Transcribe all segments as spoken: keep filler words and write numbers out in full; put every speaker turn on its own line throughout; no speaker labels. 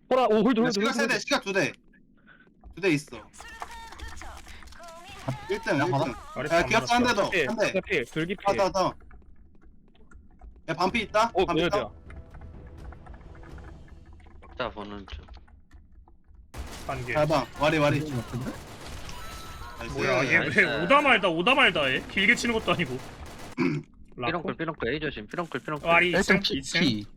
호라 오 홀드 홀드
시각
홀드
세대 시각 두대 두 대 있어 일 등 일 등 야 기합사 한 대더 한대
필 돌기 필
하다 하다 야 반피 있다
오
반피 있다
뭐야
자 보는 중.
반개.
잘봐 와리 와리 나이스.
뭐야 얘
나이스.
왜 오다 말다 오다 말다 해? 길게 치는 것도 아니고. 라코?
삐렁클 삐렁클 A 조심. 삐렁클 삐렁클.
와리 이 층
일단
이 층.
P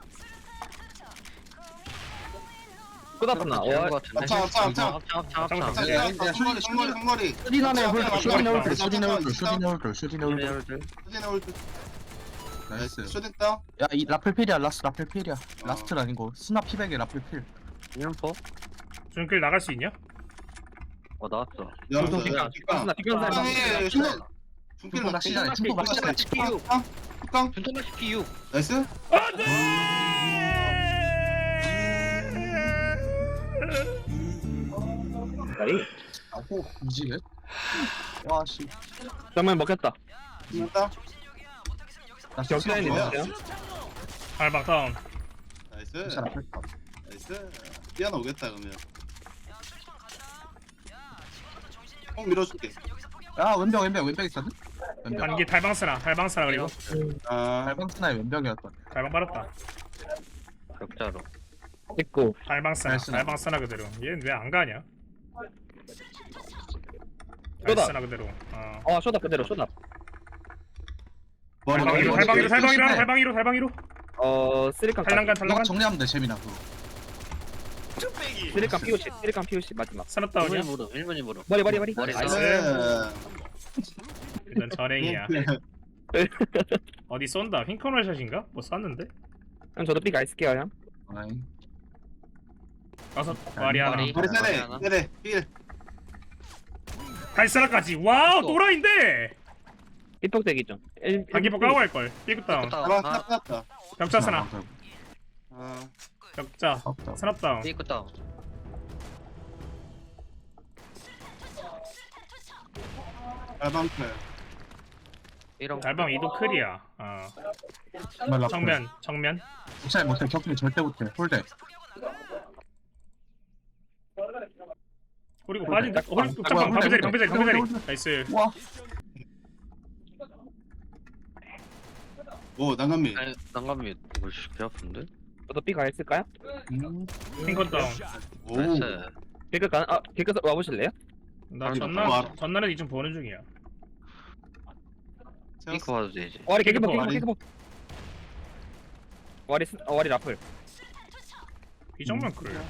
쏟았구나
삐렁클
와
것 같은데.
합창 합창 합창
합창 합창
합창,
합창.
자, 시각 성거리 성거리 성거리
슈디나네 홀드 슈디나 홀드
슈디나
슈디나 홀드
홀드,
슈디나 홀드 슈디나 홀드
홀드.
수진의 홀드
나이스
쇼딩 다운
야이 라플 필이야 라스 라플 필이야 라스트는 아니고 스나 피백에 라플 필
인포.
중길 나갈 수 있냐?
어 나왔어.
열었어
뒷강,
뒷강
뒷강, 뒷강 사람.
뒷강에
뒷강.
중길
중길 낚시잖아,
낚시
중길 낚시잖아.
뒷강 뒷강
준토나 피 육.
나이스
와리
아고 이지게 와씨
정말 먹혔다
됐다
나
격자인이
뭐야?
있어요
발박 다운.
나이스
진짜 라플 파
나이스 뛰어나 오겠다 그러면 꼭 밀어줄게
야 왼병 왼병 왼병 있었네 왼병
반개 달방 쓰나 달방 쓰나 그리고
아
발방 스나의 왼병이었던
달방 빨았다.
격자로.
있고
달방 쓰나
잘 쓰나.
달방 쓰나 그대로. 얘는 왜 안 가냐?
쏟아.
달 쓰나 그대로. 어.
어 쇼다 그대로 쇼다
머리
달방이로
머리,
달방이로
머리,
달방이로
조심해.
달방이로 달방이로.
어 쓰리깡
달랑간
너가
달랑간.
정리하면 돼 재민아 그거
쓰리깡 피오십 쓰리깡 피오십 마지막
스납 다운이야.
일본이 무릎. 일본이 무릎.
머리 머리 머리
머리
나이스
나이스
일단 전행이야. 어디 쏜다. 핑커널 샷인가? 뭐 쐈는데?
형 저도 삐가 있을게요 형
아이
가서 와리 하나.
와리.
머리
머리
세대
하나.
세대 필
달사라까지. 와우
또.
또라이인데.
삐폭대기 좀 일-
반기포
일-
까고 갈 걸. 삐끗 다운.
다운.
잡아
아,
딱 났다
격자 스나.
아
격자.
없다
스납 다운.
삐끗 다운.
발방클
삐렁.
달방 이도 클이야. 어.
정말 라플
정면 정면.
못해 못해 격투기 절대 못해 홀대
그리고
홀대.
빠진다. 홀
아,
잠깐
홀대,
방패자리
홀대.
방패자리 방패자리.
홀대, 홀대.
나이스.
와
오 난간미
아니 난감이 이거 개 아픈데?
저도 삐가 있을까요?
음.
핑컨 다운.
오
나이스.
개그 가 아, 개그 와보실래요?
나
아니,
전날
뭐
전날에 이좀 보는 중이야.
삐끗 봐도 되지.
와리 개그 봐
와리.
개그 봐 와리 스- 어, 와리 라플
이 정도면 그래.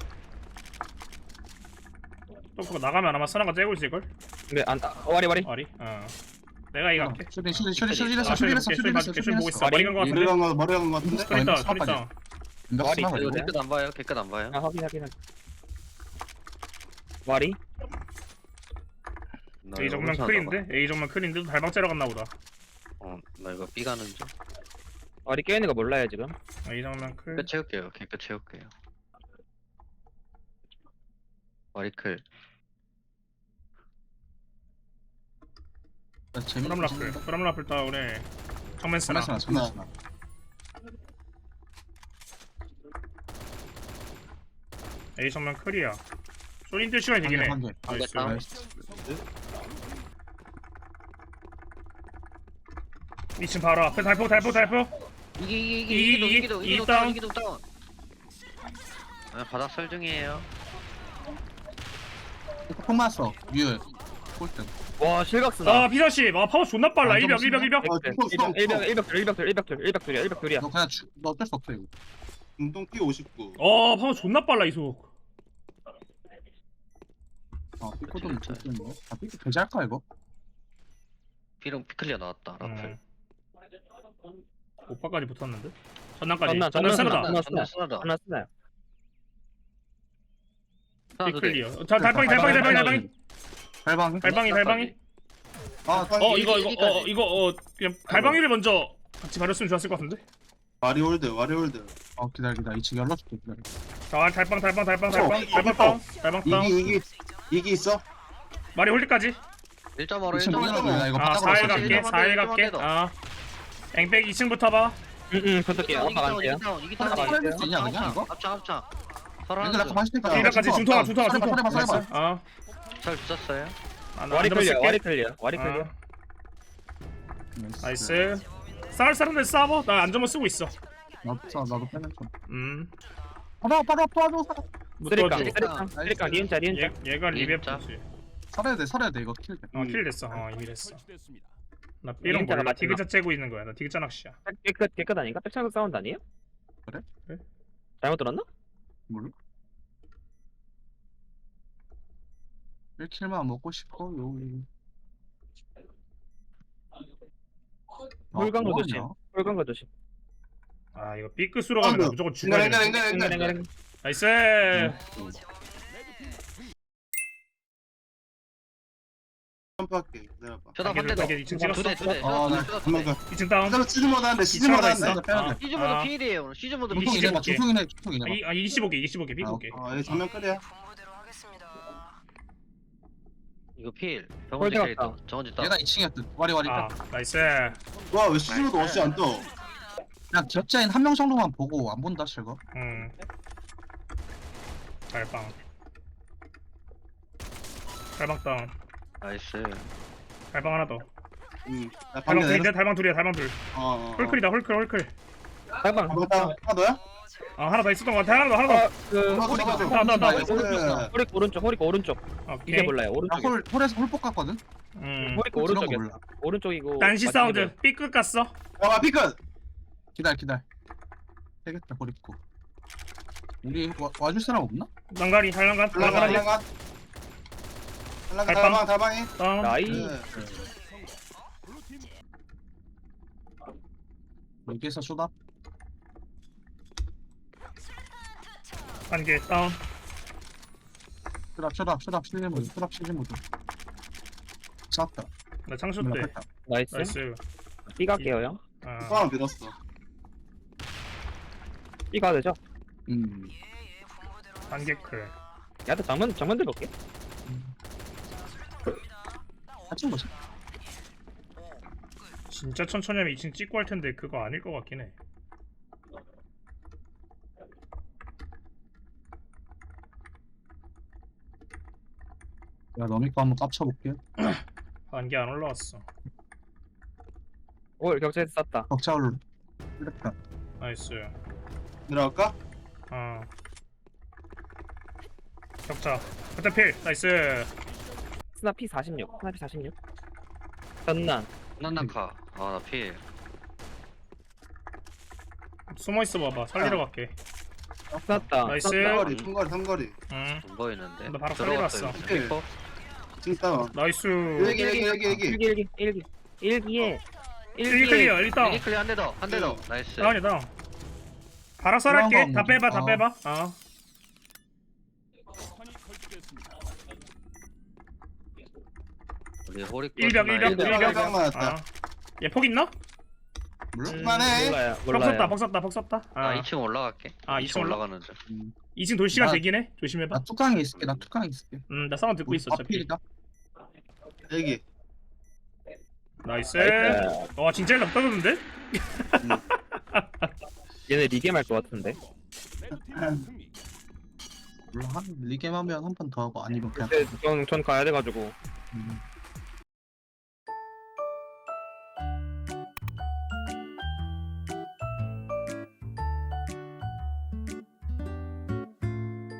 또 그거 나가면 아마 선화가 째고 있을 걸.
근데 안 아, 와리 와리
어리. 어. 내가 이거 할게.
슈딘 슈딘 슈딘 슈딘
아,
했어 슈딘 했어
슈딘
슈딘 했어
슈딘
슈딘
보고
했어
있어. 머리 간거
머리
같은데.
간거 머리 간거 같은데
스크린 다운 스크린
사파리.
다운.
왼병
와리
스나
있어요,
가지고
깨끗 안 봐요. 깨끗 안 봐요.
아 확인 확인 확인 와리
나
A
이거
정면
혼자
클인데? A 정면 클인데도 달방 째러 갔나 보다.
나가. 어, 나 이거 삐 가는 중.
와리 깨있는 거 몰라요 지금
A 정면 클.
끝 채울게요. 걔 끝 채울게요. 와리클.
재민아
프람 라플. 프람 라플 다운에 정면 쓰나.
정말 스나 정말 스나
A 정면 클이야. 쇼린들 시간이 되긴 해.
한 개, 한 개.
나이스.
다운.
나이스.
이 층 바로 앞에 달포 달포 달포.
이기 이기
이기,
이기 이기도
이기,
이기도
이기
이기도
다운.
다운 이기도 다운. 아 바닥 설 중이에요.
폭 맞았어 뮤 꼴등
와 실각스나
아 비서씨. 아 파워 존나 빨라.
아,
일병
좀
일병 일병.
어
일병
스톱
일병
스톱
일병 둘 일병 둘 일병 둘 일병 둘이야 일병 둘이야
너 그냥 주, 너 어쩔 수 없어 이거
중동 P 오십구
어 파워 존나 빨라 이속.
아 삐꼬 좀 좋겠네 아 삐꼬 배제할까 이거?
삐렁 피클리어 나왔다. 라플.
음. 오빠까지 붙었는데. 전난까지.
전난,
전난
전난
쓰나다.
쓰나.
전날 쓰나다.
하나 쓰나요
하나 두 대.
클리어. 자 달방이 달방이 달방이 달방이.
발방
달방이 달방이.
아
어 이거 이거 어
이기까지.
이거 어 그냥 달방이를 먼저 같이 가렸으면 좋았을 것 같은데.
와리 홀드 와리 홀드
어 기다려 기다려 이 층 열어줄게 기다려
자 달방 달방 달방 달방
어,
달방 다운 달방 다운.
이기 이기 이기 있어
말이 홀리까지.
일 점 오로
이
일
층
점
열어줘
오로.
나 이거
아
바닥으로
사일
일
쏠게.
갈게
점만 더,
사일
일 점만
갈게.
더.
아 앵백 이 층부터 봐.
응응 저쪽이에요
이기
아빠
다운 이기
갈게요
다운 이기 다운.
하나 팔 되냐, 그냥 이거?
합창 합창. 설하는
얘들 아까
중.
마시니까
일각까지 중통아 중통아 중통
설해봐 설해봐
아
설 붙었어요.
아, 나
와리
안
클리어 와리
들었을게
클리어 와리 클리어.
아, 나이스 싸울 사람들 싸워 나 안전모 쓰고 있어
나도 써 나도 빼면 좀
음
바로 바로 도와줘
못
쓰리깡
도와줘
쓰리깡 쓰리깡 니은자 니은자.
얘, 얘가
진짜?
리베프지
살아야 돼 살아야 돼 이거 킬
어킬 됐어 어 이미 됐어 나 B롱
니은자가
몰라
마지막.
디귿자 째고 있는 거야 나 디귿자 낚시야
깨끗 깨끗 아닌가? 백창석 사운드 아니에요?
그래?
그래?
잘못 들었나?
몰라 일 킬만 먹고 싶어요
홀강도
아,
조심.
뭐하냐?
홀강거 조심.
아 이거 B 끝으로 가면 나 무조건 죽어야
앵글
돼
앵글 앵글
앵글
앵글
앵글.
나이스
점프할게 기다려봐
쇼다 한 대 더.
이게 이층 찍었어?
두대
아, 네.
두대.
한번 더
이층 다운
기다려 시즌 모드 하는데 시즌 모드
이층
하는데
있어? 아,
시즌 모드
아.
필이에요 오늘. 시즌 모드
이게
필.
중통이네
이십오 개.
중통이네 중통이네
아, 이- 아 이십오 개 이십오 개 비고 개 비고 개
아 여기 정면 클리어
이거 필. 정원지
홀드
캐릭터.
갔다.
정원지 따.
얘가 이 층이었듯 와리 와리
아 나이스
와왜 시즌 모드 없이 안 떠?
그냥 기억자인 한 명 정도만 보고 안 본다 실거
음 달방 달방 다운
나이스.
달방 하나 더
응나
달방
방금
둘인데
내렸어
달방 둘이야 달방 둘
어어
홀클이다 홀클 홀클
달방.
방금 따 하나 더야?
아 하나 더 있었던 거 같아 하나 더 하나 더
그
잡아줘, 잡아줘.
나, 나, 나.
나이스.
호릭 오른쪽 호릭 오른쪽.
오케이
이게 몰라요 오른쪽에.
나홀 홀에서 홀폭 갔거든
음
호릭
홀 들어간 거
오른쪽에.
몰라
오른쪽이고.
딴시
마지막에
사운드 B끝 갔어
야 피크
기다려 기다려 되겠다 버리고 우리 와, 와줄 사람 없나?
난가리 달랑간
달랑가
달랑간
달랑가 달랑가
달빵.
달방 달방이
다운
나이.
네.
여기에서 쇼다
한개 다운
쇼답 쇼답 쇼답 실리 모드 쇼답 실리 모드 쐈다
나 창수 때
몰라
나이스.
나이스
B 갈게요 형.
아
사람 믿었어
B 가도 되죠?
음
한개 클
야도 장면 장면 들어볼게.
같이 보자
진짜 천천히 하면 이 층 찍고 할 텐데 그거 아닐 것 같긴 해
야 너미 거 한번 깝쳐볼게
한개 안 올라왔어
올 격차에서 쐈다.
벅차 올라 이랬다
나이스
내려갈까?
아 격자 그때 필 나이스
스나 P 사십육. 스나 P 사십육. 전난.
난나카. 아나 필.
숨어 있어 봐봐 살리러
아.
갈게
쐈다.
나이스.
삼거리 삼거리 삼거리
응
안 보이는데.
나 바로
들어갔어요.
살리러
필.
왔어. 지금 다운
나이스
여기 여기 여기 여기
일기 일기 일기 일기에
일기 클리어 일단
이클리 한대 더. 한 대 더. 나이스.
다운이야 다운 바라설 할게
그런
다
거
빼봐 다
어.
빼봐 어
우리 호리
일벽 일벽
일벽,
일벽
일벽 맞았다.
아얘폭 있나?
몰라?
그만해
몰라요.
벅 썼다
몰라요.
벅 썼다 벅 썼다
나
아
이 층 올라갈게.
아,
이
이
층
층 올라-
올라가는 중.
음.
이 층 돌 시간
나-
되긴 해 조심해봐
나 뚜껑에 있을게 나 뚜껑에 있을게
음나 사운드 듣고 있어 어차피
앞필이다
여기
나이스
나이스.
와 진짜 일납 떨어졌는데?
얘네 리겜 할것 같은데.
몰라 한 리겜 하면 한 판 더 하고 아니면 그냥
근데 전, 전 가야 돼가지고.
음.